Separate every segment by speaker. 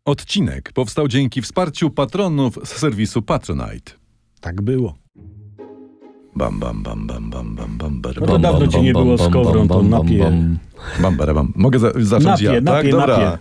Speaker 1: Odcinek powstał dzięki wsparciu patronów z serwisu Patronite.
Speaker 2: Tak było.
Speaker 1: Bam, bam, bam, bam, bam, bam, bam, bar,
Speaker 2: No to
Speaker 1: bam,
Speaker 2: dawno
Speaker 1: bam,
Speaker 2: cię nie
Speaker 1: bam,
Speaker 2: było
Speaker 1: bam,
Speaker 2: z Kowrą,
Speaker 1: bam,
Speaker 2: to
Speaker 1: bam,
Speaker 2: napie.
Speaker 1: bam, bam, bam, bam. Mogę zacząć ja, tak? Dobra.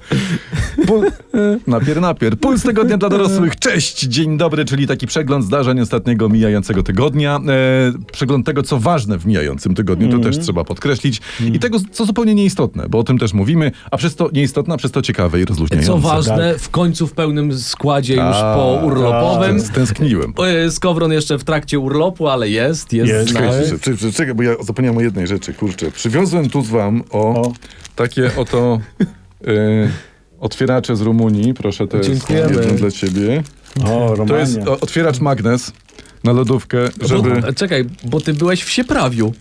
Speaker 1: Napier. Puls tygodnia dla dorosłych. Cześć, dzień dobry, czyli taki przegląd zdarzeń ostatniego mijającego tygodnia. Przegląd tego, co ważne w mijającym tygodniu, to też trzeba podkreślić. I tego, co zupełnie nieistotne, bo o tym też mówimy, a przez to nieistotne, a przez to ciekawe i rozluźniające.
Speaker 3: Co ważne, w końcu w pełnym składzie już po urlopowym.
Speaker 1: Stęskniłem.
Speaker 3: Z Kowron jeszcze w trakcie urlopu, ale jest z nami.
Speaker 1: Czekaj, bo ja zapomniałem o jednej rzeczy, kurczę. Przywiozłem tu z wam takie oto otwieracze z Rumunii. Proszę, to jest
Speaker 3: Dziękujemy.
Speaker 1: jedno dla ciebie.
Speaker 2: O, Romania.
Speaker 1: To jest otwieracz magnes na lodówkę, żeby...
Speaker 3: Czekaj, bo ty byłeś w Sieprawiu.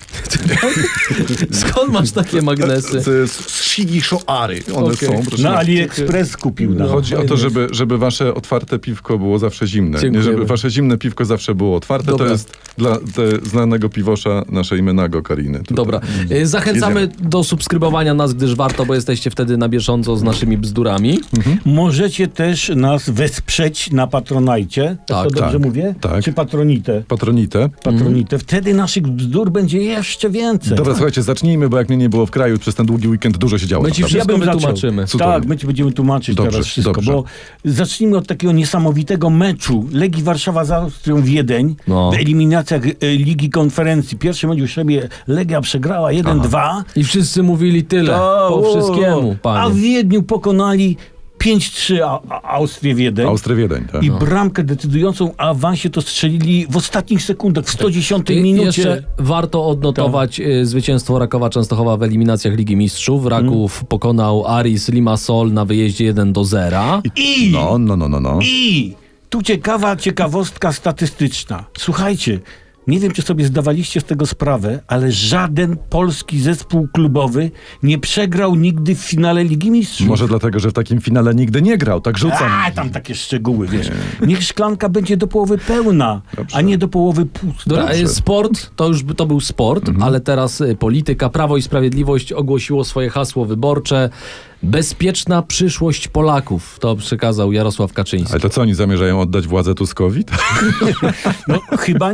Speaker 3: Skąd masz takie magnesy?
Speaker 1: Z Shigishoary one są. Proszę.
Speaker 2: Na AliExpress kupił. No.
Speaker 1: Chodzi o to, żeby wasze otwarte piwko było zawsze zimne. Nie,
Speaker 3: Dziękujemy.
Speaker 1: żeby wasze zimne piwko zawsze było otwarte.
Speaker 3: Dobra.
Speaker 1: To jest dla znanego piwosza naszej Menago Kariny. Tutaj.
Speaker 3: Dobra. Zachęcamy do subskrybowania nas, gdyż warto, bo jesteście wtedy na bieżąco z naszymi bzdurami.
Speaker 2: Możecie też nas wesprzeć na Patronajcie.
Speaker 3: Tak,
Speaker 2: to dobrze
Speaker 1: tak,
Speaker 2: mówię?
Speaker 1: tak.
Speaker 2: Czy Patronite?
Speaker 1: Patronite.
Speaker 2: Patronite. Wtedy naszych bzdur będzie jeszcze więcej.
Speaker 1: Dobra, słuchajcie, zacznijmy, bo jak mnie nie było w kraju przez ten długi weekend, dużo się działo.
Speaker 3: My ci
Speaker 1: naprawdę.
Speaker 3: wszystko
Speaker 2: bym zaczął.
Speaker 3: wytłumaczymy.
Speaker 1: Cudownie.
Speaker 2: Tak, my ci będziemy tłumaczyć
Speaker 1: Dobrze,
Speaker 2: teraz wszystko,
Speaker 1: dobrze.
Speaker 2: bo zacznijmy od takiego niesamowitego meczu Legii Warszawa z Austrią Wiedeń
Speaker 3: No.
Speaker 2: w eliminacjach Ligi Konferencji. Pierwszy mecz już sobie Legia przegrała 1-2.
Speaker 3: I wszyscy mówili tyle, po wszystkiemu,
Speaker 2: A w
Speaker 3: panie.
Speaker 2: Wiedniu pokonali 5-3 Austrię Wiedeń.
Speaker 1: Wiedeń, tak.
Speaker 2: I bramkę decydującą o awansie to strzelili w ostatnich sekundach, w 110
Speaker 3: I
Speaker 2: minucie.
Speaker 3: jeszcze warto odnotować zwycięstwo Rakowa Częstochowa w eliminacjach Ligi Mistrzów. Raków pokonał Aris Limassol na wyjeździe 1-0.
Speaker 2: I
Speaker 1: No.
Speaker 2: I tu ciekawostka statystyczna. Słuchajcie, nie wiem, czy sobie zdawaliście z tego sprawę, ale żaden polski zespół klubowy nie przegrał nigdy w finale Ligi Mistrzów.
Speaker 1: Może dlatego, że w takim finale nigdy nie grał, tak rzucam.
Speaker 2: Tam takie szczegóły, wiesz. Niech szklanka będzie do połowy pełna,
Speaker 1: Dobrze.
Speaker 2: a nie do połowy pusta.
Speaker 3: Dobra,
Speaker 1: Dobrze.
Speaker 3: sport, to był sport, ale teraz polityka. Prawo i Sprawiedliwość ogłosiło swoje hasło wyborcze. Bezpieczna przyszłość Polaków. To przekazał Jarosław Kaczyński.
Speaker 1: Ale to co, oni zamierzają oddać władzę Tuskowi?
Speaker 2: No, chyba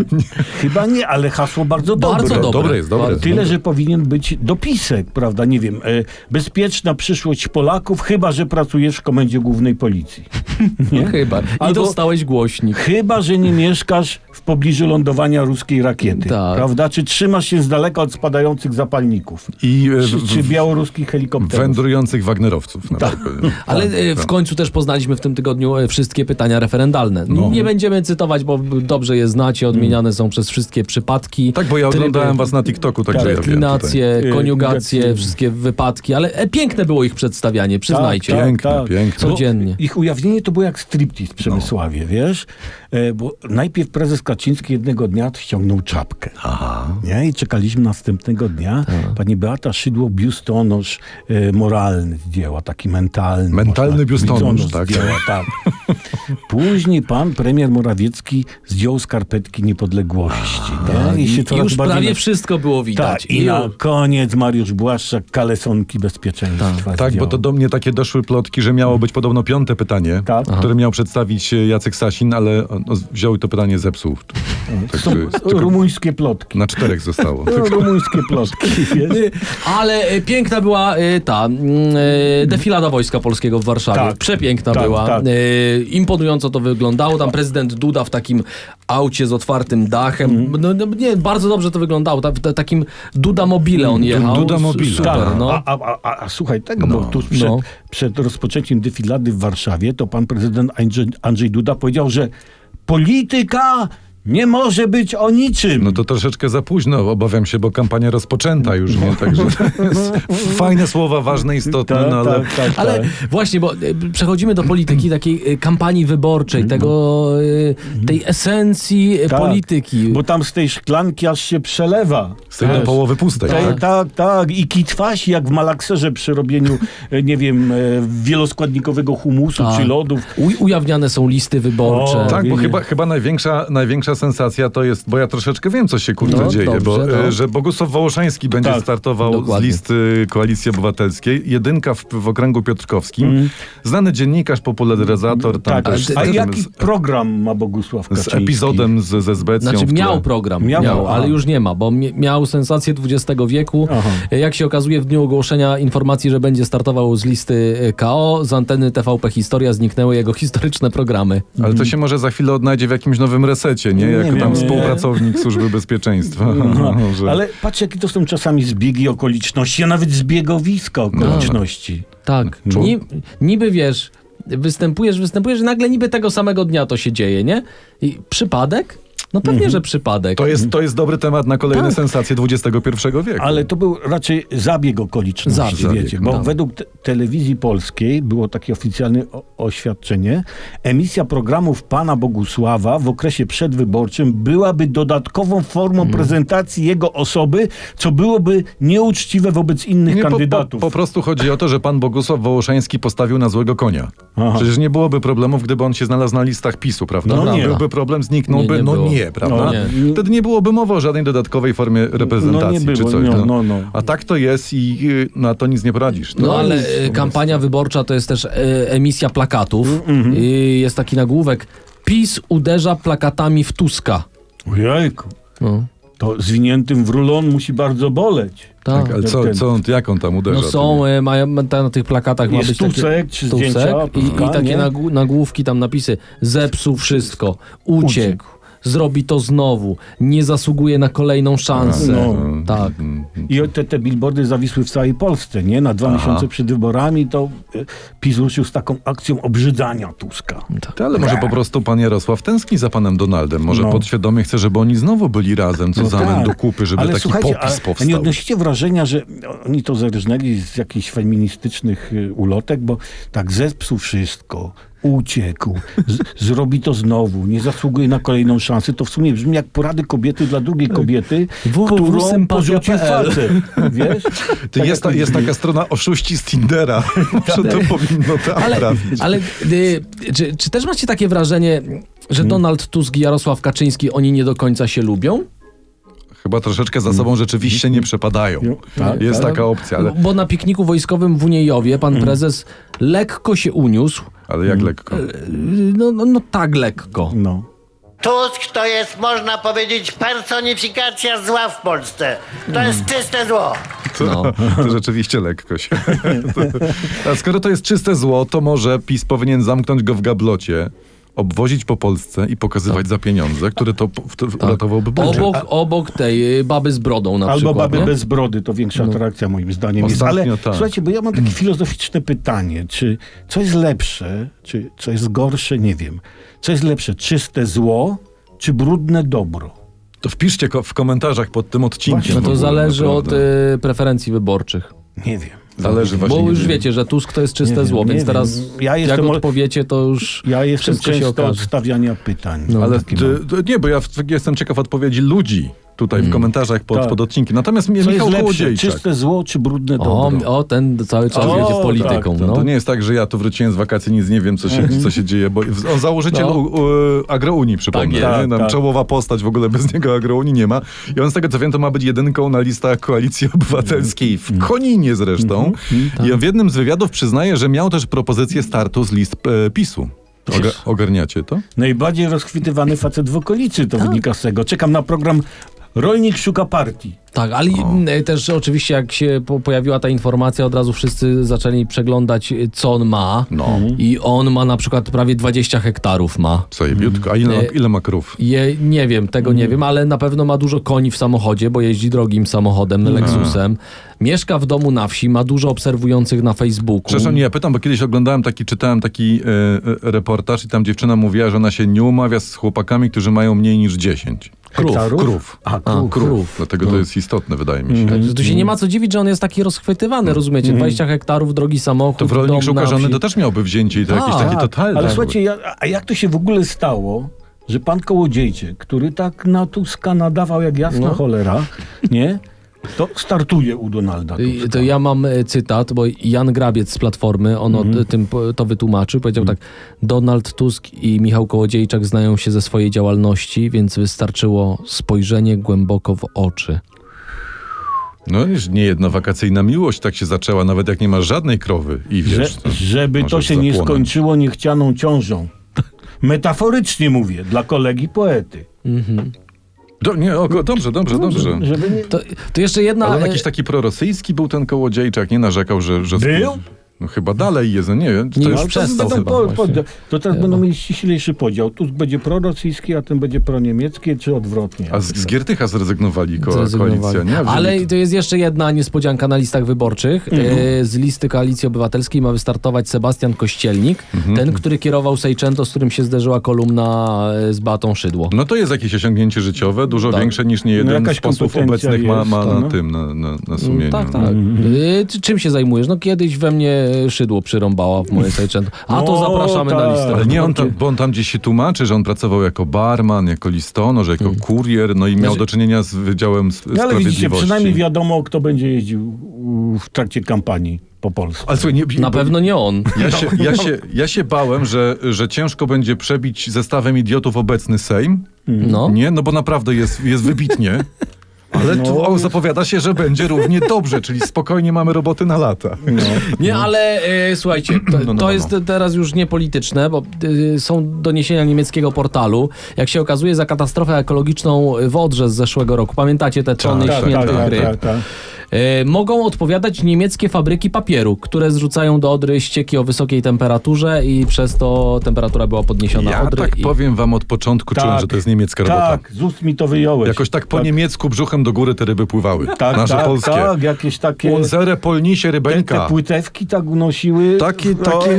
Speaker 2: nie, ale hasło bardzo dobre.
Speaker 3: Bardzo dobre.
Speaker 1: Dobre jest, dobre.
Speaker 2: Tyle, że powinien być dopisek, prawda? Nie wiem, bezpieczna przyszłość Polaków, chyba że pracujesz w Komendzie Głównej Policji. Nie?
Speaker 3: Chyba. I
Speaker 2: Albo-
Speaker 3: dostałeś głośnik.
Speaker 2: Chyba że nie mieszkasz w pobliżu lądowania ruskiej rakiety,
Speaker 3: Tak.
Speaker 2: prawda? Czy trzymasz się z daleka od spadających zapalników?
Speaker 1: I
Speaker 2: Czy białoruskich helikopterów?
Speaker 1: wędrujących Wagnerowców. Na przykład.
Speaker 3: Ale w końcu też poznaliśmy w tym tygodniu wszystkie pytania referendalne. Nie będziemy cytować, bo dobrze je znacie, odmieniane są przez wszystkie przypadki.
Speaker 1: Tak, bo ja
Speaker 3: tryby,
Speaker 1: oglądałem was na TikToku, także ja wiem.
Speaker 3: deklinacje,
Speaker 2: tutaj.
Speaker 3: koniugacje,
Speaker 2: Koniugacje.
Speaker 3: wszystkie wypadki, ale piękne było ich przedstawianie, przyznajcie.
Speaker 2: Tak,
Speaker 1: Piękne, piękne.
Speaker 3: Codziennie.
Speaker 2: Ich ujawnienie to było jak striptease w Przemysławie, wiesz? Bo najpierw prezes Kaczyński jednego dnia ściągnął czapkę. Nie? I czekaliśmy następnego dnia. Pani Beata Szydło biustonosz moralny zdjęła, taki mentalny.
Speaker 1: Mentalny
Speaker 2: można-
Speaker 1: biustonosz,
Speaker 2: biustonosz
Speaker 1: tak.
Speaker 2: zdjęła, tak. Później pan premier Morawiecki zdjął skarpetki niepodległości. Nie?
Speaker 3: I
Speaker 2: się coraz
Speaker 3: już
Speaker 2: bardziej
Speaker 3: prawie wszystko było widać.
Speaker 2: Tak, i na koniec Mariusz Błaszczak kalesonki bezpieczeństwa
Speaker 1: Tak,
Speaker 2: zdjął.
Speaker 1: bo to do mnie takie doszły plotki, że miało być podobno 5. pytanie,
Speaker 2: Tak.
Speaker 1: które miał przedstawić Jacek Sasin, ale wziął i to pytanie zepsuł. Tak,
Speaker 2: Są
Speaker 1: tylko
Speaker 2: rumuńskie plotki.
Speaker 1: na 4 zostało.
Speaker 2: Rumuńskie plotki. wiesz?
Speaker 3: Ale piękna była defilada Wojska Polskiego w Warszawie.
Speaker 2: Tak.
Speaker 3: Przepiękna
Speaker 2: Tak,
Speaker 3: była.
Speaker 2: tak.
Speaker 3: Imponująco to wyglądało. Tam prezydent Duda w takim aucie z otwartym dachem. Nie, bardzo dobrze to wyglądało. Takim Duda Mobile on jechał.
Speaker 1: Duda Mobile.
Speaker 3: Super,
Speaker 1: Tak.
Speaker 3: no.
Speaker 2: A słuchaj tego, bo tuż przed rozpoczęciem defilady w Warszawie to pan prezydent Andrzej Duda powiedział, że polityka nie może być o niczym.
Speaker 1: No to troszeczkę za późno, obawiam się, bo kampania rozpoczęta już, nie? Także to jest fajne słowa, ważne, istotne, no ale...
Speaker 3: Ale właśnie, bo przechodzimy do polityki, takiej kampanii wyborczej, tej esencji polityki.
Speaker 2: Bo tam z tej szklanki aż się przelewa.
Speaker 1: Z tej do połowy pustej, tak?
Speaker 2: Tak. I kitwasi jak w malakserze przy robieniu, nie wiem, wieloskładnikowego humusu czy lodów.
Speaker 3: Ujawniane są listy wyborcze.
Speaker 1: Tak, bo
Speaker 2: Wiemy.
Speaker 1: chyba największa największa sensacja to jest, bo ja troszeczkę wiem, co się
Speaker 3: No,
Speaker 1: dzieje,
Speaker 3: dobrze,
Speaker 1: bo
Speaker 3: no.
Speaker 1: że Bogusław Wołoszański będzie
Speaker 2: Tak,
Speaker 1: startował
Speaker 3: dokładnie.
Speaker 1: z listy Koalicji Obywatelskiej, jedynka w okręgu piotrkowskim, znany dziennikarz, popularyzator, tam
Speaker 2: Tak,
Speaker 1: też
Speaker 2: a
Speaker 1: z,
Speaker 2: jaki program ma Bogusław
Speaker 1: z
Speaker 2: Kaczyński?
Speaker 1: epizodem ze Zbecją
Speaker 3: Znaczy
Speaker 1: w tle.
Speaker 3: miał program,
Speaker 2: Miał,
Speaker 3: ale
Speaker 2: aha.
Speaker 3: już nie ma, bo miał sensację XX wieku.
Speaker 2: Aha.
Speaker 3: Jak się okazuje, w dniu ogłoszenia informacji, że będzie startował z listy KO, z anteny TVP Historia zniknęły jego historyczne programy.
Speaker 1: Ale to się może za chwilę odnajdzie w jakimś nowym resecie, nie?
Speaker 2: Nie
Speaker 1: Jako
Speaker 2: wiem,
Speaker 1: tam
Speaker 2: nie.
Speaker 1: współpracownik Służby Bezpieczeństwa.
Speaker 2: No,
Speaker 1: Że-
Speaker 2: ale patrz, jakie to są czasami zbiegi okoliczności, a nawet zbiegowiska okoliczności.
Speaker 3: Tak. Niby wiesz, występujesz i nagle niby tego samego dnia to się dzieje, nie? I przypadek? No pewnie, że przypadek.
Speaker 1: To jest dobry temat na kolejne
Speaker 3: Tak.
Speaker 1: sensacje XXI wieku.
Speaker 2: Ale to był raczej zabieg okoliczności,
Speaker 3: Zabieg,
Speaker 2: wiecie, bo
Speaker 3: tak.
Speaker 2: według telewizji polskiej było takie oficjalne oświadczenie. Emisja programów pana Bogusława w okresie przedwyborczym byłaby dodatkową formą prezentacji jego osoby, co byłoby nieuczciwe wobec innych
Speaker 1: Nie,
Speaker 2: kandydatów.
Speaker 1: po prostu chodzi o to, że pan Bogusław Wołoszański postawił na złego konia.
Speaker 2: Aha.
Speaker 1: Przecież nie byłoby problemów, gdyby on się znalazł na listach PiS-u, prawda?
Speaker 2: No nie.
Speaker 1: Byłby problem, zniknąłby,
Speaker 3: Nie było.
Speaker 1: prawda?
Speaker 2: No
Speaker 3: nie.
Speaker 1: Wtedy nie byłoby mowy o żadnej dodatkowej formie reprezentacji
Speaker 2: No nie
Speaker 1: czy
Speaker 2: było,
Speaker 1: coś.
Speaker 2: no.
Speaker 1: A tak to jest i na to nic nie poradzisz.
Speaker 3: No ale
Speaker 1: nic.
Speaker 3: kampania wyborcza to jest też emisja plakatów. Jest taki nagłówek: PiS uderza plakatami w Tuska.
Speaker 2: Ojejku,
Speaker 3: No,
Speaker 2: to zwiniętym w rulon musi bardzo boleć.
Speaker 1: Tak, ale jak on tam uderza?
Speaker 3: No są, na tych plakatach ma
Speaker 2: Jest
Speaker 3: być taki
Speaker 2: Tusek, czy zdjęcia Tuska,
Speaker 3: i takie
Speaker 2: nie?
Speaker 3: nagłówki, tam napisy: zepsuł wszystko, uciekł, zrobi to znowu, nie zasługuje na kolejną szansę.
Speaker 2: No.
Speaker 3: Tak.
Speaker 2: I te billboardy zawisły w całej Polsce, nie? Na 2 miesiące przed wyborami to PiS ruszył z taką akcją obrzydzania Tuska.
Speaker 1: Ale może po prostu pan Jarosław tęskni za panem Donaldem. Może
Speaker 2: No.
Speaker 1: podświadomie chce, żeby oni znowu byli razem, co zamęt
Speaker 2: tak.
Speaker 1: do kupy, żeby
Speaker 2: Ale
Speaker 1: taki
Speaker 2: słuchajcie,
Speaker 1: popis
Speaker 2: a
Speaker 1: powstał.
Speaker 2: nie odnosicie wrażenia, że oni to zerżnęli z jakichś feministycznych ulotek, bo tak zepsuł wszystko, uciekł, zrobi to znowu, nie zasługuje na kolejną szansę. To w sumie brzmi jak porady kobiety dla drugiej kobiety, którą porzucił facet. Wiesz? Tak
Speaker 1: Jest taka strona oszuści z Tindera. Może to powinno tam trafić.
Speaker 3: Ale czy też macie takie wrażenie, że Donald Tusk i Jarosław Kaczyński, oni nie do końca się lubią?
Speaker 1: Chyba troszeczkę za sobą rzeczywiście nie przepadają.
Speaker 2: Tak,
Speaker 1: Jest taka opcja, ale
Speaker 3: Bo na pikniku wojskowym w Uniejowie pan prezes lekko się uniósł.
Speaker 1: jak lekko.
Speaker 3: No tak lekko.
Speaker 2: No.
Speaker 4: Tusk to jest, można powiedzieć, personifikacja zła w Polsce. To jest czyste zło.
Speaker 1: To rzeczywiście lekko się. A skoro to jest czyste zło, to może PiS powinien zamknąć go w gablocie, obwozić po Polsce i pokazywać za pieniądze, które to uratowałby budżet.
Speaker 3: Obok tej baby z brodą na
Speaker 2: Albo
Speaker 3: przykład.
Speaker 2: baby
Speaker 3: nie?
Speaker 2: bez brody, to większa atrakcja moim zdaniem jest.
Speaker 1: Ostatnio
Speaker 2: Ale
Speaker 1: tak.
Speaker 2: słuchajcie, bo ja mam takie filozoficzne pytanie, czy co jest lepsze, czy co jest gorsze, nie wiem. Co jest lepsze, czyste zło, czy brudne dobro?
Speaker 1: To wpiszcie w komentarzach pod tym odcinkiem.
Speaker 2: Właśnie.
Speaker 3: No
Speaker 1: w
Speaker 3: to
Speaker 1: ogóle,
Speaker 3: zależy
Speaker 1: naprawdę.
Speaker 3: od preferencji wyborczych.
Speaker 2: Nie wiem.
Speaker 1: Zależy właśnie.
Speaker 3: Bo już
Speaker 1: nie-
Speaker 3: wiecie, że Tusk to jest czyste
Speaker 2: Nie wiem,
Speaker 3: zło,
Speaker 2: nie
Speaker 3: więc
Speaker 2: wiem.
Speaker 3: teraz
Speaker 2: Ja
Speaker 3: jak
Speaker 2: jestem
Speaker 3: odpowiecie, to już
Speaker 2: Ja jestem
Speaker 3: wszystko się
Speaker 2: często od
Speaker 3: okaże.
Speaker 2: stawiania pytań.
Speaker 3: No.
Speaker 1: Ale
Speaker 2: Taki mam.
Speaker 1: nie, bo ja jestem ciekaw odpowiedzi ludzi tutaj w komentarzach pod,
Speaker 2: Tak.
Speaker 1: pod odcinkiem. Natomiast
Speaker 2: Co jest
Speaker 1: Michał
Speaker 2: lepsze,
Speaker 1: Kołodziejczak.
Speaker 2: czyste zło, czy brudne dobro?
Speaker 3: Ten cały czas
Speaker 2: O,
Speaker 3: jedzie z
Speaker 2: tak,
Speaker 3: polityką.
Speaker 1: To,
Speaker 3: no.
Speaker 1: to nie jest tak, że ja tu wróciłem z wakacji, nic nie wiem, co się dzieje, bo on założyciel
Speaker 3: No.
Speaker 1: Agrounii, przypomnę.
Speaker 3: Tak,
Speaker 1: nie? Tam
Speaker 2: tak.
Speaker 1: Czołowa postać, w ogóle bez niego Agrounii nie ma. I on z tego, co wiem, to ma być jedynką na listach Koalicji Obywatelskiej, w Koninie zresztą. I on w jednym z wywiadów przyznaje, że miał też propozycję startu z list PiS-u. Ogarniacie to?
Speaker 2: Najbardziej rozchwytywany facet w okolicy,
Speaker 3: Tak.
Speaker 2: to wynika z tego. Czekam na program Rolnik szuka partii.
Speaker 3: Tak, ale też oczywiście jak się pojawiła ta informacja, od razu wszyscy zaczęli przeglądać, co on ma.
Speaker 1: No.
Speaker 3: I on ma na przykład prawie 20 hektarów ma.
Speaker 1: Zajebiutko. A ile ma krów?
Speaker 3: Nie wiem, tego nie wiem, ale na pewno ma dużo koni w samochodzie, bo jeździ drogim samochodem, Lexusem. Mieszka w domu na wsi, ma dużo obserwujących na Facebooku.
Speaker 1: Przepraszam, nie, ja pytam, bo kiedyś czytałem taki reportaż i tam dziewczyna mówiła, że ona się nie umawia z chłopakami, którzy mają mniej niż 10.
Speaker 2: Hektarów?
Speaker 1: Krów.
Speaker 2: A,
Speaker 3: A, krów.
Speaker 1: Dlatego to jest istotne, wydaje mi się.
Speaker 3: Także tu się nie ma co dziwić, że on jest taki rozchwytywany, rozumiecie? 20 hektarów, drogi samochód,
Speaker 1: To w rolnik
Speaker 3: dom
Speaker 1: szuka
Speaker 3: na
Speaker 1: żony
Speaker 3: wsi.
Speaker 1: to też miałby wzięcie i to jakieś takie
Speaker 2: Tak,
Speaker 1: totalne.
Speaker 2: ale słuchajcie, a jak to się w ogóle stało, że pan Kołodziejczyk, który tak na Tuska nadawał jak jasna cholera, nie? to startuje u Donalda Tuska.
Speaker 3: To ja mam cytat, bo Jan Grabiec z Platformy, on to wytłumaczył, powiedział tak: Donald Tusk i Michał Kołodziejczak znają się ze swojej działalności, więc wystarczyło spojrzenie głęboko w oczy.
Speaker 1: No już nie jedna wakacyjna miłość tak się zaczęła, nawet jak nie masz żadnej krowy i wiesz...
Speaker 2: Żeby to
Speaker 1: możesz
Speaker 2: się nie
Speaker 1: zapłonąć.
Speaker 2: skończyło niechcianą ciążą. Metaforycznie mówię, dla kolegi poety.
Speaker 1: Dobrze.
Speaker 2: Żeby nie...
Speaker 3: To jeszcze jedna...
Speaker 1: Ale on jakiś taki prorosyjski był ten Kołodziejczak, nie narzekał, że
Speaker 2: Był?
Speaker 1: No chyba dalej jest, no nie wiem.
Speaker 3: Nie,
Speaker 1: To
Speaker 3: już
Speaker 1: jest,
Speaker 3: przestał chyba właśnie.
Speaker 2: To teraz będą mieli ściślejszy podział. Tusk będzie prorosyjski, a ten będzie proniemiecki, czy odwrotnie?
Speaker 1: a z Giertycha zrezygnowali
Speaker 3: Zrezygnowali.
Speaker 1: koalicja, nie? A wzięli
Speaker 3: Ale to jest jeszcze jedna niespodzianka na listach wyborczych. Z listy Koalicji Obywatelskiej ma wystartować Sebastian Kościelnik, ten, który kierował Seicento, z którym się zderzyła kolumna z Beatą Szydło.
Speaker 1: No to jest jakieś osiągnięcie życiowe, dużo
Speaker 3: Tak.
Speaker 1: większe niż niejeden
Speaker 2: jakaś
Speaker 1: z posłów
Speaker 2: kompetencja
Speaker 1: obecnych ma
Speaker 2: jest,
Speaker 1: na
Speaker 2: no.
Speaker 1: tym, na sumieniu.
Speaker 3: Tak. Czym się zajmujesz? No kiedyś we mnie Szydło przyrąbała w moje Seicento. A to
Speaker 2: No,
Speaker 3: zapraszamy na
Speaker 2: tak.
Speaker 3: listę.
Speaker 1: Ale nie, bo on tam gdzieś się tłumaczy, że on pracował jako barman, jako listonosz, jako kurier, no i miał do czynienia z Wydziałem
Speaker 2: No, ale widzicie,
Speaker 1: Sprawiedliwości.
Speaker 2: przynajmniej wiadomo, kto będzie jeździł w trakcie kampanii po Polsce.
Speaker 1: Ale słuchaj,
Speaker 3: Na pewno nie on.
Speaker 1: Ja się bałem, że ciężko będzie przebić zestawem idiotów obecny Sejm.
Speaker 3: No.
Speaker 1: Nie, no bo naprawdę jest wybitnie. Ale tu zapowiada się, że będzie równie dobrze, czyli spokojnie mamy roboty na lata.
Speaker 3: Nie, ale słuchajcie, to jest teraz już niepolityczne, bo są doniesienia niemieckiego portalu. Jak się okazuje, za katastrofę ekologiczną w Odrze z zeszłego roku, pamiętacie te tony śmietnych ryb? Mogą odpowiadać niemieckie fabryki papieru, które zrzucają do Odry ścieki o wysokiej temperaturze i przez to temperatura była podniesiona
Speaker 1: Ja
Speaker 3: Odry.
Speaker 1: tak powiem wam od początku, czułem, że to jest niemiecka robota.
Speaker 2: Tak, z ust mi to wyjąłeś.
Speaker 1: Jakoś tak po niemiecku brzuchem do góry te ryby pływały.
Speaker 2: Tak,
Speaker 1: Nasze
Speaker 2: tak,
Speaker 1: polskie.
Speaker 2: tak, jakieś takie...
Speaker 1: Unsere polnisie
Speaker 2: Te
Speaker 1: rybeńka.
Speaker 2: płytewki tak unosiły.
Speaker 1: Takie-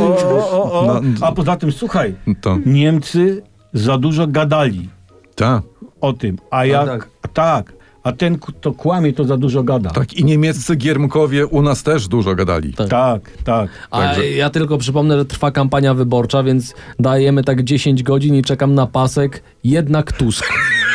Speaker 2: O.
Speaker 1: No,
Speaker 2: A poza tym, słuchaj,
Speaker 1: To,
Speaker 2: Niemcy za dużo gadali
Speaker 1: ta.
Speaker 2: o tym, a jak... A ten, kto kłamie, to za dużo gada.
Speaker 1: Tak, i niemieccy giermkowie u nas też dużo gadali.
Speaker 2: Tak.
Speaker 3: A
Speaker 1: Także-
Speaker 3: ja tylko przypomnę, że trwa kampania wyborcza, więc dajemy tak 10 godzin i czekam na pasek. Jednak Tusk.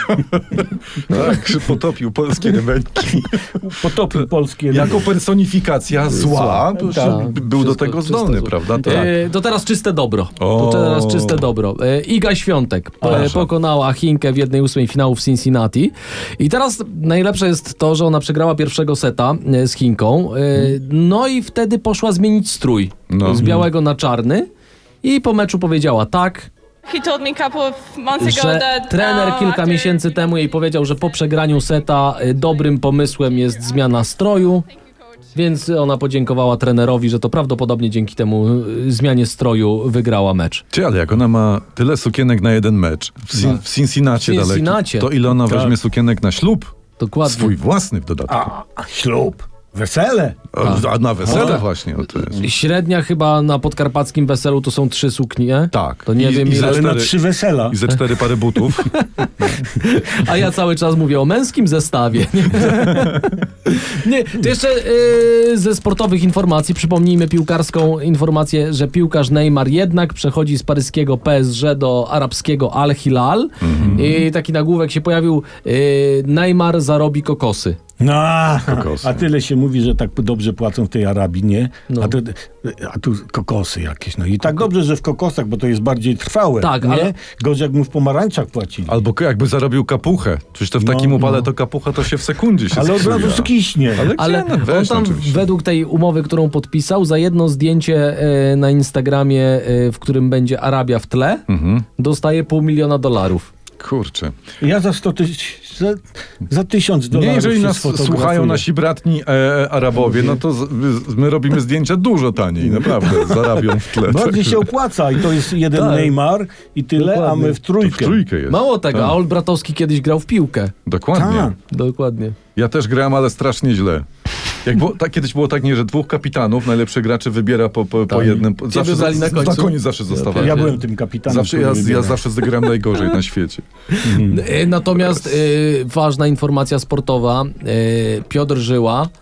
Speaker 1: Tak, że potopił polskie rybeńki.
Speaker 2: Potopił polskie...
Speaker 1: Jako personifikacja zła, to
Speaker 2: Tak.
Speaker 1: był do tego
Speaker 3: Wszystko
Speaker 1: zdolny,
Speaker 3: czyste
Speaker 1: prawda?
Speaker 3: zło.
Speaker 1: Tak.
Speaker 3: To teraz czyste dobro.
Speaker 1: O.
Speaker 3: To teraz czyste dobro. Iga Świątek pokonała Chinkę w 1/8 finału w Cincinnati. I teraz najlepsze jest to, że ona przegrała pierwszego seta z Chinką. No i wtedy poszła zmienić strój
Speaker 1: No.
Speaker 3: z białego na czarny. I po meczu powiedziała tak,
Speaker 5: He told me a couple of months ago
Speaker 3: że
Speaker 5: that
Speaker 3: trener kilka
Speaker 5: after-
Speaker 3: miesięcy temu jej powiedział, że po przegraniu seta dobrym pomysłem jest zmiana stroju. Więc ona podziękowała trenerowi, że to prawdopodobnie dzięki temu zmianie stroju wygrała mecz.
Speaker 1: Ty, ale jak ona ma tyle sukienek na jeden mecz w Cincinnati
Speaker 3: W
Speaker 1: daleki,
Speaker 3: Cincinnati.
Speaker 1: to ile ona weźmie sukienek na ślub?
Speaker 3: Dokładnie.
Speaker 1: Swój własny w dodatku.
Speaker 2: A ślub, wesele.
Speaker 1: A na wesele właśnie. O, to jest.
Speaker 3: Średnia chyba na podkarpackim weselu to są 3 suknie.
Speaker 1: Tak.
Speaker 3: To nie
Speaker 1: I-
Speaker 3: wiem
Speaker 1: i
Speaker 3: ile.
Speaker 1: za-
Speaker 2: Ale na
Speaker 1: 4
Speaker 2: 3 wesela.
Speaker 1: I ze 4 pary butów.
Speaker 3: A ja cały czas mówię o męskim zestawie. Nie, to jeszcze ze sportowych informacji przypomnijmy piłkarską informację, że piłkarz Neymar jednak przechodzi z paryskiego PSG do arabskiego Al Hilal. I taki nagłówek się pojawił: Neymar zarobi kokosy.
Speaker 2: No,
Speaker 1: Kokosy.
Speaker 2: a tyle się mówi, że tak dobrze płacą w tej Arabii, nie?
Speaker 3: No.
Speaker 2: A tu kokosy jakieś. No i tak dobrze, że w kokosach, bo to jest bardziej trwałe.
Speaker 3: Tak,
Speaker 2: nie?
Speaker 3: ale-
Speaker 2: Gorzej jak mu w pomarańczach płacili.
Speaker 1: Albo jakby zarobił kapuchę. Przecież to w takim upale to kapucha to się w sekundzie się
Speaker 2: Ale od
Speaker 1: sksuja.
Speaker 2: razu skiśnie.
Speaker 3: Ale
Speaker 1: gdzie? No
Speaker 3: on
Speaker 1: weź,
Speaker 3: tam
Speaker 1: oczywiście.
Speaker 3: według tej umowy, którą podpisał, za jedno zdjęcie na Instagramie, w którym będzie Arabia w tle, dostaje $500,000.
Speaker 1: Kurczę.
Speaker 2: Ja za 100 tysięcy, za $1000
Speaker 1: Nie, jeżeli
Speaker 2: się
Speaker 1: nas
Speaker 2: sfotografuję.
Speaker 1: słuchają nasi bratni Arabowie, no to my robimy zdjęcia dużo taniej, naprawdę, zarabią w tle.
Speaker 2: Bardziej się opłaca i to jest jeden
Speaker 3: Tak.
Speaker 2: Neymar i tyle, a
Speaker 3: Dokładnie.
Speaker 2: my w
Speaker 1: To
Speaker 2: trójkę.
Speaker 1: w trójkę jest.
Speaker 3: Mało tego,
Speaker 1: Tak.
Speaker 3: a Olbratowski kiedyś grał w piłkę.
Speaker 1: Dokładnie.
Speaker 2: Tak.
Speaker 3: Dokładnie.
Speaker 1: Ja też grałem, ale strasznie źle. Kiedyś było tak, nie, że 2 kapitanów, najlepszych graczy wybiera po jednym.
Speaker 3: Ciebie brali na końcu.
Speaker 1: Na koniec zawsze zostawali.
Speaker 2: Ja byłem tym kapitanem.
Speaker 1: Zawsze,
Speaker 2: który
Speaker 1: ja
Speaker 2: wybiera.
Speaker 1: zawsze zagrałem najgorzej na świecie.
Speaker 3: Natomiast ważna informacja sportowa. Piotr Żyła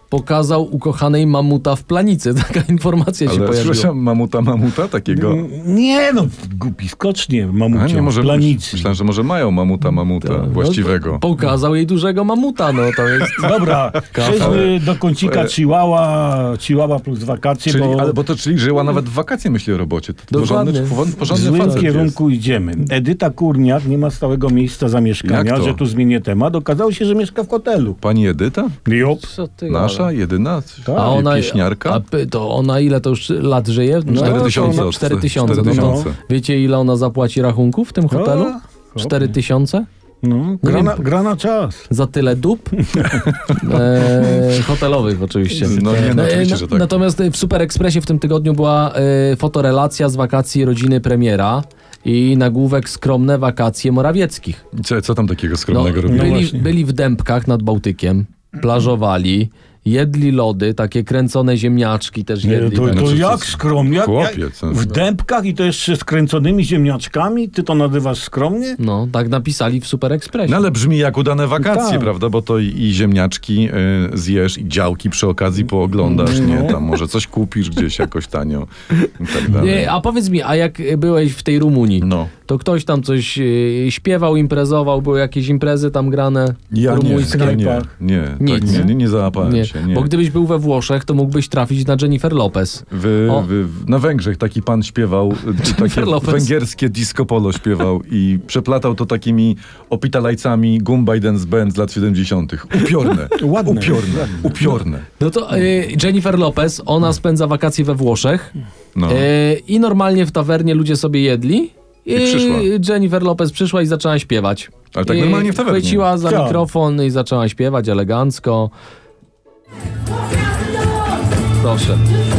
Speaker 3: pokazał ukochanej mamuta w planicy. Taka informacja się
Speaker 1: Ale
Speaker 3: pojawiła.
Speaker 1: słyszałem mamuta takiego.
Speaker 2: Nie no, głupi skocznie
Speaker 1: A
Speaker 2: mamucią
Speaker 1: nie, może
Speaker 2: w planicy.
Speaker 1: myślałem, że może mają mamuta właściwego.
Speaker 3: No, pokazał jej dużego mamuta, no to jest...
Speaker 2: Dobra, przejdźmy do kącika Chihuahua plus wakacje,
Speaker 1: Czyli żyła nawet w wakacje, myśli o robocie. To
Speaker 3: Dokładnie.
Speaker 2: w
Speaker 1: porządny
Speaker 2: złym
Speaker 1: facet
Speaker 2: kierunku idziemy. Edyta Kurniak nie ma stałego miejsca zamieszkania,
Speaker 1: Jak to?
Speaker 2: że tu zmienię temat. Okazało się, że mieszka w hotelu.
Speaker 1: jest. Pani Edyta?
Speaker 2: Jop.
Speaker 3: Co ty
Speaker 1: Nasza?
Speaker 3: gadasz?
Speaker 1: Jedyna?
Speaker 3: A ona,
Speaker 1: Pieśniarka?
Speaker 3: to ona ile to już lat żyje?
Speaker 1: 4000.
Speaker 3: 4000. No to
Speaker 1: 4000.
Speaker 3: wiecie, ile ona zapłaci rachunków w tym hotelu?
Speaker 2: O,
Speaker 3: 4000?
Speaker 2: No, gra na czas.
Speaker 3: Za tyle dup? Hotelowych oczywiście.
Speaker 1: No nie, no oczywiście, że tak.
Speaker 3: Natomiast w Super Expressie w tym tygodniu była fotorelacja z wakacji rodziny premiera i nagłówek skromne wakacje Morawieckich.
Speaker 1: Co tam takiego skromnego robili?
Speaker 2: właśnie.
Speaker 3: byli w Dębkach nad Bałtykiem, plażowali, jedli lody, takie kręcone ziemniaczki też jedli.
Speaker 2: To
Speaker 1: Znaczy,
Speaker 2: jak
Speaker 1: co-
Speaker 2: skromnie?
Speaker 1: Chłopiec.
Speaker 2: W dębkach i to jeszcze z kręconymi ziemniaczkami? Ty to nazywasz skromnie?
Speaker 3: No, tak napisali w Super Expressie.
Speaker 1: No ale brzmi jak udane wakacje,
Speaker 2: Tak.
Speaker 1: prawda? Bo to i ziemniaczki zjesz, i działki przy okazji pooglądasz, nie? Tam może coś kupisz gdzieś jakoś tanio i tak dalej.
Speaker 3: Nie, a powiedz mi, a jak byłeś w tej Rumunii,
Speaker 1: No.
Speaker 3: to ktoś tam coś śpiewał, imprezował, były jakieś imprezy tam grane?
Speaker 1: Ja
Speaker 3: rumuńskie?
Speaker 1: nie,
Speaker 3: Nic.
Speaker 1: tak, nie załapałem
Speaker 3: Nie,
Speaker 1: się. Nie.
Speaker 3: bo gdybyś był we Włoszech, to mógłbyś trafić na Jennifer Lopez. O.
Speaker 1: Na Węgrzech taki pan śpiewał, takie
Speaker 3: Lopez.
Speaker 1: węgierskie disco polo śpiewał i przeplatał to takimi opitalajcami Gumbay Dance Band z lat 70. Upiorne.
Speaker 2: Ładne.
Speaker 1: Upiorne.
Speaker 3: No to Jennifer Lopez, ona spędza wakacje we Włoszech
Speaker 1: No.
Speaker 3: i normalnie w tawernie ludzie sobie jedli. I
Speaker 1: przyszła.
Speaker 3: Jennifer Lopez przyszła i zaczęła śpiewać.
Speaker 1: Ale tak
Speaker 3: I
Speaker 1: normalnie w tawernie.
Speaker 3: chwyciła za
Speaker 2: Tak.
Speaker 3: mikrofon i zaczęła śpiewać elegancko. Proszę.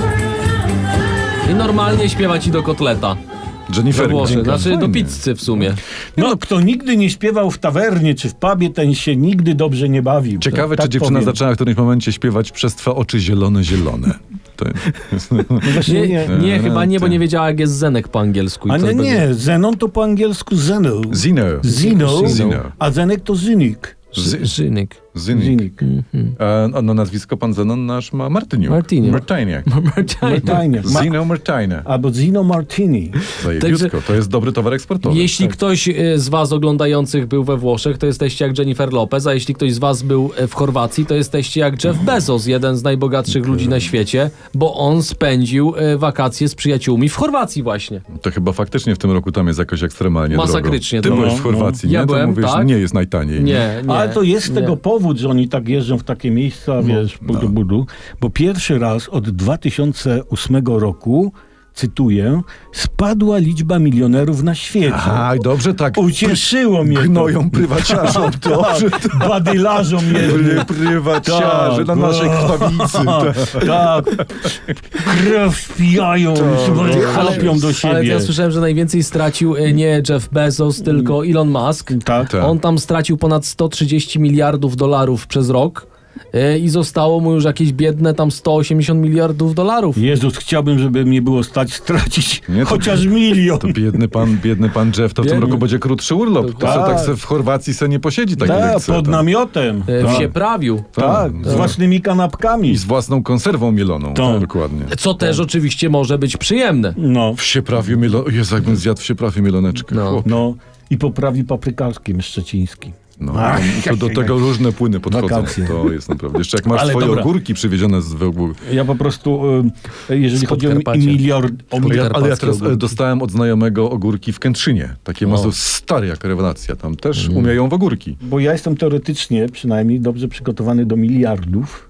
Speaker 3: I normalnie śpiewa ci do kotleta. We
Speaker 1: Jennifer.
Speaker 3: Włoszech, znaczy do
Speaker 1: Fajnie.
Speaker 3: pizzy w sumie.
Speaker 2: No, kto nigdy nie śpiewał w tawernie czy w pubie, ten się nigdy dobrze nie bawił.
Speaker 1: Ciekawe,
Speaker 2: Tak
Speaker 1: czy dziewczyna
Speaker 2: powiem.
Speaker 1: zaczęła w którymś momencie śpiewać przez twe oczy zielone, zielone. To jest...
Speaker 2: No właśnie
Speaker 3: Nie, chyba nie, bo nie wiedziała jak jest zenek po angielsku. i
Speaker 2: A
Speaker 3: to
Speaker 2: nie,
Speaker 3: będzie-
Speaker 2: nie, Zenon to po angielsku Zeno.
Speaker 1: Zino.
Speaker 2: Zino, a Zenek to Zynik.
Speaker 3: Żynik.
Speaker 1: Zynik.
Speaker 2: Zynik.
Speaker 1: No nazwisko pan Zenon nasz ma Martyniuk.
Speaker 3: Martyniuk.
Speaker 1: Martyniak.
Speaker 2: Martajnie.
Speaker 1: Zino Martynia.
Speaker 2: Albo Zino Martini.
Speaker 1: Zajebiutko. To jest dobry towar eksportowy.
Speaker 3: Jeśli ktoś z was oglądających był we Włoszech, to jesteście jak Jennifer Lopez, a jeśli ktoś z was był w Chorwacji, to jesteście jak Jeff Bezos, jeden z najbogatszych ludzi na świecie, bo on spędził wakacje z przyjaciółmi w Chorwacji właśnie.
Speaker 1: To chyba faktycznie w tym roku tam jest jakoś ekstremalnie
Speaker 3: Masakrycznie
Speaker 1: drogo. Ty
Speaker 3: drogo.
Speaker 1: byłeś w Chorwacji,
Speaker 3: Ja
Speaker 1: nie? To
Speaker 3: byłem,
Speaker 1: mówisz,
Speaker 3: tak.
Speaker 1: nie jest najtaniej.
Speaker 3: Nie.
Speaker 2: Ale to jest z
Speaker 3: nie.
Speaker 2: tego powód, że oni tak jeżdżą w takie miejsca, wiesz, budu, bo pierwszy raz od 2008 roku, cytuję, spadła liczba milionerów na świecie.
Speaker 1: Aha, i dobrze tak
Speaker 2: Ucieszyło mnie to.
Speaker 1: gnoją prywaciarzom to, że
Speaker 2: Tak, badylarzom jednym.
Speaker 1: prywaciarze na naszej krwawicy.
Speaker 2: Tak. Krew wpijają, chlapią do
Speaker 3: Ale
Speaker 2: siebie.
Speaker 3: ja słyszałem, że najwięcej stracił nie Jeff Bezos, tylko Elon Musk.
Speaker 2: Tak.
Speaker 1: Tak.
Speaker 3: On tam stracił ponad 130 miliardów dolarów przez rok i zostało mu już jakieś biedne tam 180 miliardów dolarów.
Speaker 2: Jezus, chciałbym, żeby mnie było stać stracić
Speaker 1: Nie, to-
Speaker 2: chociaż milion.
Speaker 1: To biedny pan Jeff, to w tym
Speaker 3: Biedny.
Speaker 1: roku będzie krótszy urlop. To
Speaker 2: Tak.
Speaker 1: se tak se w Chorwacji se nie posiedzi tak jak
Speaker 2: Tak,
Speaker 1: chce.
Speaker 2: pod
Speaker 1: tam.
Speaker 2: namiotem.
Speaker 3: W Sieprawiu.
Speaker 2: Tak, z własnymi kanapkami.
Speaker 1: I z własną konserwą mieloną.
Speaker 2: Tak.
Speaker 1: Dokładnie.
Speaker 3: Co też oczywiście może być przyjemne.
Speaker 2: No,
Speaker 1: W Sieprawiu mieloneczkę. Jezu, jakbym zjadł w Sieprawiu mieloneczkę.
Speaker 3: No.
Speaker 1: Chłop.
Speaker 2: no. I poprawi paprykarskim szczecińskim.
Speaker 1: No,
Speaker 2: Ach,
Speaker 1: to do tego różne płyny podchodzą.
Speaker 2: Wakacje.
Speaker 1: To jest naprawdę. Jeszcze jak masz
Speaker 2: Ale
Speaker 1: swoje
Speaker 2: dobra.
Speaker 1: ogórki przywiezione z Wełbór.
Speaker 2: Ja po prostu, jeżeli chodzi o
Speaker 3: Podkarpacia.
Speaker 2: miliard...
Speaker 1: Ale ja teraz
Speaker 3: ogórki.
Speaker 1: dostałem od znajomego ogórki w Kętrzynie. Takie mazo stare jak rewelacja. Tam też umieją w ogórki.
Speaker 2: Bo ja jestem teoretycznie przynajmniej dobrze przygotowany do miliardów.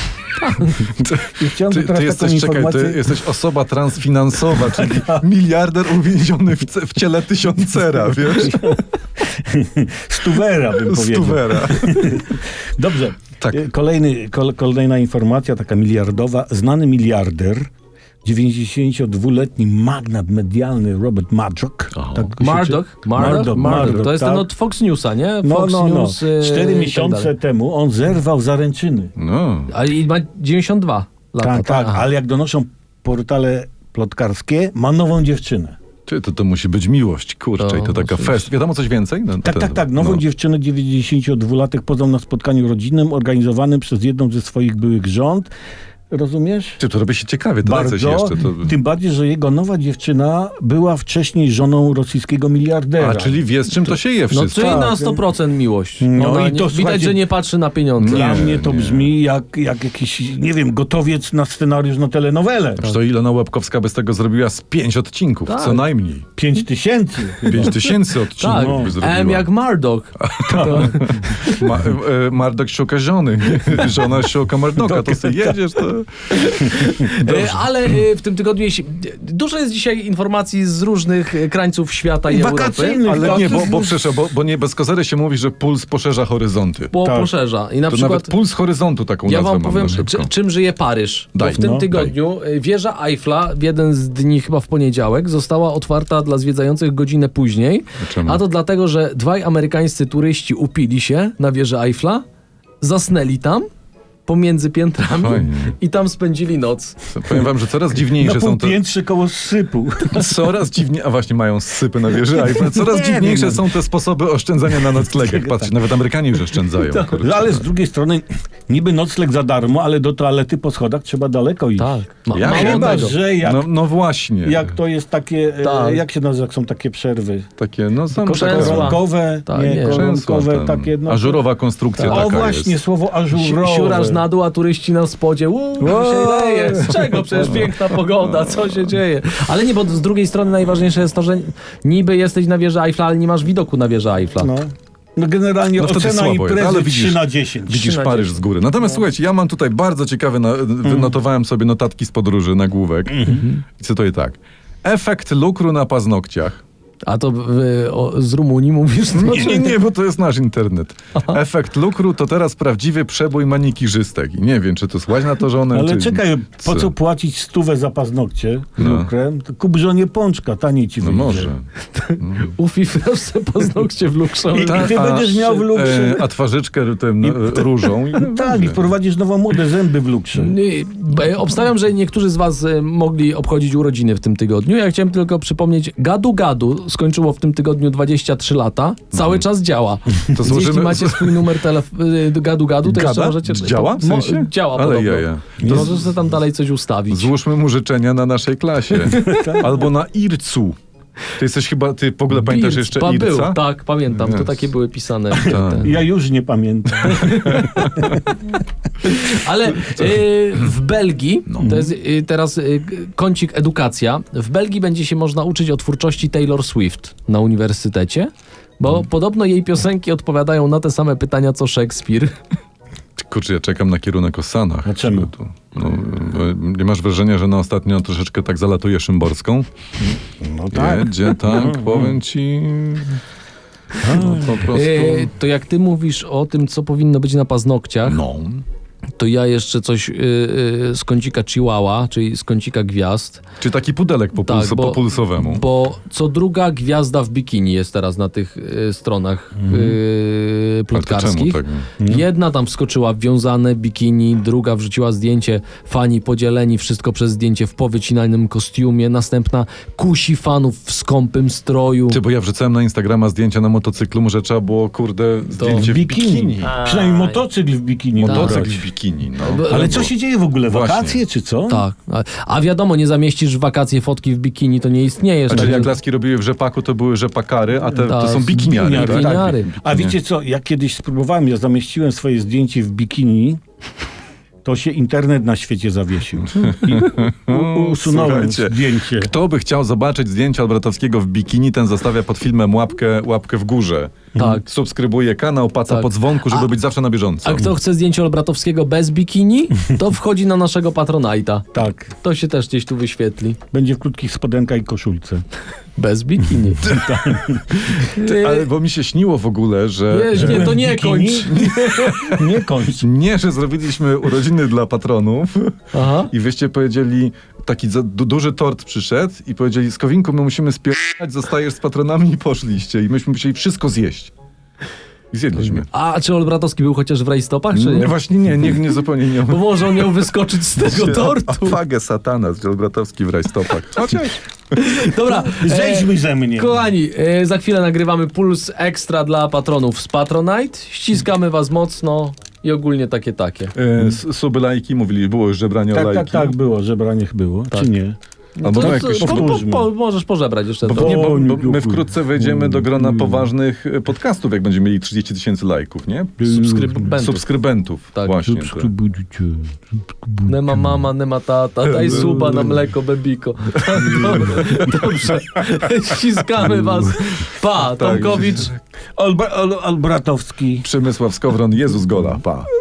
Speaker 2: I chciałem teraz
Speaker 1: Ty
Speaker 2: taką
Speaker 1: jesteś,
Speaker 2: informację...
Speaker 1: ty jesteś osoba transfinansowa, czyli miliarder uwięziony w ciele tysiącera, wiesz?
Speaker 2: Stuwera bym powiedział.
Speaker 1: Stuwera.
Speaker 2: Dobrze.
Speaker 1: Tak.
Speaker 2: Kolejna informacja, taka miliardowa. Znany miliarder, 92-letni magnat medialny Robert Murdoch. Tak go się
Speaker 3: Murdoch. To jest
Speaker 2: tak.
Speaker 3: ten od Fox Newsa, nie?
Speaker 2: No,
Speaker 3: Fox
Speaker 2: no, no.
Speaker 3: News.
Speaker 2: 4
Speaker 3: i tak
Speaker 2: miesiące
Speaker 3: dalej.
Speaker 2: temu on zerwał zaręczyny.
Speaker 1: No.
Speaker 3: Ale i ma 92 lata.
Speaker 2: Tak, tak,
Speaker 3: Aha.
Speaker 2: ale jak donoszą portale plotkarskie, ma nową dziewczynę.
Speaker 1: To musi być miłość, kurczę, i to taka fest. Wiadomo coś więcej? No,
Speaker 2: Tak. Nową dziewczynę 92-latek poznał na spotkaniu rodzinnym organizowanym przez jedną ze swoich byłych żon. Rozumiesz?
Speaker 1: To robi się ciekawie, to
Speaker 2: Bardzo.
Speaker 1: jeszcze. To...
Speaker 2: Tym bardziej, że jego nowa dziewczyna była wcześniej żoną rosyjskiego miliardera.
Speaker 1: A, czyli wie, z czym to się je
Speaker 3: No
Speaker 1: wszystko.
Speaker 3: czyli na 100% miłość.
Speaker 2: No
Speaker 3: Ona
Speaker 2: i to,
Speaker 3: widać,
Speaker 2: słuchajcie,
Speaker 3: że nie patrzy na pieniądze.
Speaker 2: Dla
Speaker 1: Nie,
Speaker 2: mnie to
Speaker 1: nie.
Speaker 2: brzmi jak jakiś, nie wiem, gotowiec na scenariusz na telenowelę.
Speaker 1: To Ilona Łebkowska by z tego zrobiła z 5 odcinków,
Speaker 3: Tak.
Speaker 1: co najmniej.
Speaker 2: 5000.
Speaker 1: 5000 odcinków
Speaker 3: Tak,
Speaker 1: by zrobiła.
Speaker 3: M jak Murdoch.
Speaker 1: Mardok szuka żony. Żona szuka Mardoka. To sobie jedziesz, to...
Speaker 3: Ale w tym tygodniu dużo jest dzisiaj informacji z różnych krańców świata i Europy.
Speaker 2: Wakacyjnych.
Speaker 1: Ale nie,
Speaker 2: Tak,
Speaker 1: bo nie bez kozery się mówi, że puls poszerza horyzonty.
Speaker 2: Tak.
Speaker 3: Poszerza. I na
Speaker 1: To
Speaker 3: przykład
Speaker 1: nawet puls horyzontu taką
Speaker 3: ja
Speaker 1: nazwę
Speaker 3: wam
Speaker 1: mam
Speaker 3: powiem,
Speaker 1: na szybko.
Speaker 3: czym żyje Paryż. Bo
Speaker 1: Daj,
Speaker 3: w tym
Speaker 1: no,
Speaker 3: tygodniu wieża Eiffla w jeden z dni, chyba w poniedziałek, została otwarta dla zwiedzających godzinę później.
Speaker 1: Czemu?
Speaker 3: A to dlatego, że dwaj amerykańscy turyści upili się na wieży Eiffla, zasnęli tam pomiędzy piętrami
Speaker 1: Fajnie.
Speaker 3: i tam spędzili noc.
Speaker 1: Powiem wam, że coraz
Speaker 2: Na
Speaker 1: dziwniejsze są te...
Speaker 2: półpiętrze koło sypu.
Speaker 1: Coraz dziwniej, a właśnie mają sypy na wieży Eiffla. Coraz
Speaker 2: Nie
Speaker 1: dziwniejsze
Speaker 2: wiem.
Speaker 1: są te sposoby oszczędzania na noclegach. Patrz, nawet Amerykanie już oszczędzają. kurczę.
Speaker 2: Ale z drugiej strony niby nocleg za darmo, ale do toalety po schodach trzeba daleko iść.
Speaker 3: Tak.
Speaker 1: Ja
Speaker 3: Mało
Speaker 2: Chyba,
Speaker 3: tego.
Speaker 2: że
Speaker 1: No właśnie.
Speaker 2: jak to jest takie,
Speaker 3: Tak.
Speaker 2: jak się nazywa, jak są takie przerwy?
Speaker 1: Takie, no sam
Speaker 3: Krzesła.
Speaker 1: taka-
Speaker 2: Koronkowe,
Speaker 3: Tak,
Speaker 2: nie,
Speaker 3: nie.
Speaker 2: koronkowe,
Speaker 1: Krzesła, tam.
Speaker 2: takie. No,
Speaker 1: Ażurowa konstrukcja
Speaker 2: O
Speaker 1: taka
Speaker 2: właśnie,
Speaker 1: jest.
Speaker 2: słowo ażurowe.
Speaker 3: Siurasz na dół, a turyści na spodzie. Się leje. Z czego? Przecież piękna pogoda. Co się dzieje? Ale nie, bo z drugiej strony najważniejsze jest to, że niby jesteś na wieży Eiffla, ale nie masz widoku na wieżę Eiffla.
Speaker 2: No generalnie
Speaker 1: No wtedy
Speaker 2: ocena
Speaker 1: słabo jest,
Speaker 2: imprezy
Speaker 1: ale
Speaker 2: 3/10.
Speaker 1: Widzisz Paryż z góry. Natomiast słuchajcie, ja mam tutaj bardzo ciekawe, wynotowałem sobie notatki z podróży, nagłówek. I cytuję tak. Efekt lukru na paznokciach.
Speaker 3: A to z Rumunii mówisz?
Speaker 1: Nie, bo to jest nasz internet. Efekt lukru to teraz prawdziwy przebój manikirzystek. I nie wiem, czy to słać na to żonę,
Speaker 2: Ale
Speaker 1: czy...
Speaker 2: czekaj, po co płacić 100 za paznokcie lukrem? To kup żonie pączka, taniej ci
Speaker 1: No
Speaker 2: wyjdzie.
Speaker 1: może.
Speaker 3: Ufifasz se paznokcie w lukrze.
Speaker 2: I ty będziesz miał w lukrze.
Speaker 1: A twarzyczkę tym różą.
Speaker 2: Tak, i wprowadzisz nową modę, zęby w lukrze.
Speaker 3: Obstawiam, że niektórzy z was mogli obchodzić urodziny w tym tygodniu. Ja chciałem tylko przypomnieć, Gadu Gadu skończyło w tym tygodniu 23 lata. Cały czas działa.
Speaker 1: To
Speaker 3: Więc jeśli macie swój numer Gadu Gadu, to jeszcze
Speaker 1: Gada?
Speaker 3: możecie...
Speaker 1: Działa? W sensie?
Speaker 3: Działa
Speaker 1: Ale
Speaker 3: podobno.
Speaker 1: jaja.
Speaker 3: To możesz sobie tam dalej coś ustawić.
Speaker 1: Złóżmy mu życzenia na naszej klasie. Albo na Ircu. Ty jesteś chyba, ty w ogóle pamiętasz jeszcze
Speaker 3: Był,
Speaker 1: Irca?
Speaker 3: tak, pamiętam. To
Speaker 1: Jest.
Speaker 3: takie były pisane.
Speaker 1: Tak.
Speaker 2: Ja już nie pamiętam.
Speaker 3: Ale w Belgii, to jest teraz kącik edukacja, w Belgii będzie się można uczyć o twórczości Taylor Swift na uniwersytecie, bo podobno jej piosenki odpowiadają na te same pytania co Szekspir.
Speaker 1: Kurczę, ja czekam na kierunek o Sanach.
Speaker 2: A czemu?
Speaker 1: No, nie masz wrażenia, że na ostatnio troszeczkę tak zalatuje Szymborską?
Speaker 2: No tak.
Speaker 1: Jedzie, tak, powiem ci... No, po prostu...
Speaker 3: To jak ty mówisz o tym, co powinno być na paznokciach,
Speaker 1: No.
Speaker 3: to ja jeszcze coś z kącika Chihuahua, czyli z kącika gwiazd.
Speaker 1: Czy taki pudelek po,
Speaker 3: Tak,
Speaker 1: po pulsowemu.
Speaker 3: Bo co druga gwiazda w bikini jest teraz na tych stronach plotkarskich.
Speaker 1: Ale to czemu tak?
Speaker 3: Jedna tam wskoczyła w wiązane bikini, druga wrzuciła zdjęcie, fani podzieleni, wszystko przez zdjęcie w powycinanym kostiumie, następna kusi fanów w skąpym stroju.
Speaker 1: Ty, bo ja wrzucałem na Instagrama zdjęcia na motocyklu, może trzeba było, kurde, zdjęcie w bikini.
Speaker 2: Przynajmniej motocykl w bikini.
Speaker 1: Motocykl
Speaker 2: nagrać.
Speaker 1: w bikini, no.
Speaker 2: Ale co się dzieje w ogóle?
Speaker 1: Właśnie.
Speaker 2: Wakacje czy co?
Speaker 3: Tak. A wiadomo, nie zamieścisz w wakacje fotki w bikini, to nie istniejesz.
Speaker 1: Znaczy,
Speaker 3: Tak
Speaker 1: jak
Speaker 3: więc-
Speaker 1: laski robiły w rzepaku, to były rzepakary, a te to
Speaker 3: Tak,
Speaker 1: są bikiniary, tak?
Speaker 3: bikiniary.
Speaker 2: A wiecie co, ja kiedyś spróbowałem, ja zamieściłem swoje zdjęcie w bikini, to się internet na świecie zawiesił. I usunąłem
Speaker 1: Słuchajcie,
Speaker 2: zdjęcie.
Speaker 1: Kto by chciał zobaczyć zdjęcia Olbratowskiego w bikini, ten zostawia pod filmem łapkę w górze.
Speaker 3: Tak.
Speaker 1: Subskrybuje kanał, paca
Speaker 3: Tak.
Speaker 1: po dzwonku, żeby być zawsze na bieżąco.
Speaker 3: A kto chce zdjęcie Olbratowskiego bez bikini, to wchodzi na naszego Patronite'a.
Speaker 2: Tak,
Speaker 3: To się też gdzieś tu wyświetli.
Speaker 2: będzie w krótkich spodenkach i koszulce.
Speaker 3: Bez bikini.
Speaker 1: Ale bo mi się śniło w ogóle, że...
Speaker 3: Nie, to nie
Speaker 2: Bikini?
Speaker 3: kończ.
Speaker 2: Nie kończ.
Speaker 1: Nie, że zrobiliśmy urodziny dla patronów
Speaker 3: Aha.
Speaker 1: i wyście powiedzieli, taki duży tort przyszedł i powiedzieli, Skowinku, my musimy spierdać, zostajesz z patronami i poszliście. I myśmy musieli wszystko zjeść. I zjedliśmy.
Speaker 3: A czy Olbratowski był chociaż w rajstopach, czy
Speaker 1: Nie,
Speaker 3: nie?
Speaker 1: właśnie nie zupełnie nie.
Speaker 3: Bo może on miał wyskoczyć z tego tortu.
Speaker 1: Fagę satana z Olbratowski w rajstopach. Chociaż.
Speaker 3: Dobra,
Speaker 2: Zejdźmy ze mnie.
Speaker 3: kochani, za chwilę nagrywamy Puls Ekstra dla patronów z Patronite. Ściskamy was mocno i ogólnie takie.
Speaker 1: Suby, lajki, mówili, było już żebranie o
Speaker 2: Tak,
Speaker 1: lajki.
Speaker 2: tak, tak, było. Żebranie było, czy nie?
Speaker 1: Albo
Speaker 3: To-
Speaker 1: no jakoś...
Speaker 2: powtórzmy.
Speaker 3: możesz pożebrać jeszcze
Speaker 1: Bo,
Speaker 3: to.
Speaker 1: nie, bo
Speaker 2: O,
Speaker 1: my wkrótce wejdziemy do grona poważnych podcastów, jak będziemy mieli 30 000 lajków, nie? Subskrybentów.
Speaker 3: Tak.
Speaker 1: Właśnie.
Speaker 2: Subskrybujcie.
Speaker 3: Nie ma mama, nie ma tata, daj suba na mleko, bebiko. Dobrze, ściskamy was. Pa, Tomkowicz.
Speaker 2: Olbratowski.
Speaker 1: Przemysław Skowron, Jezus Gola, pa.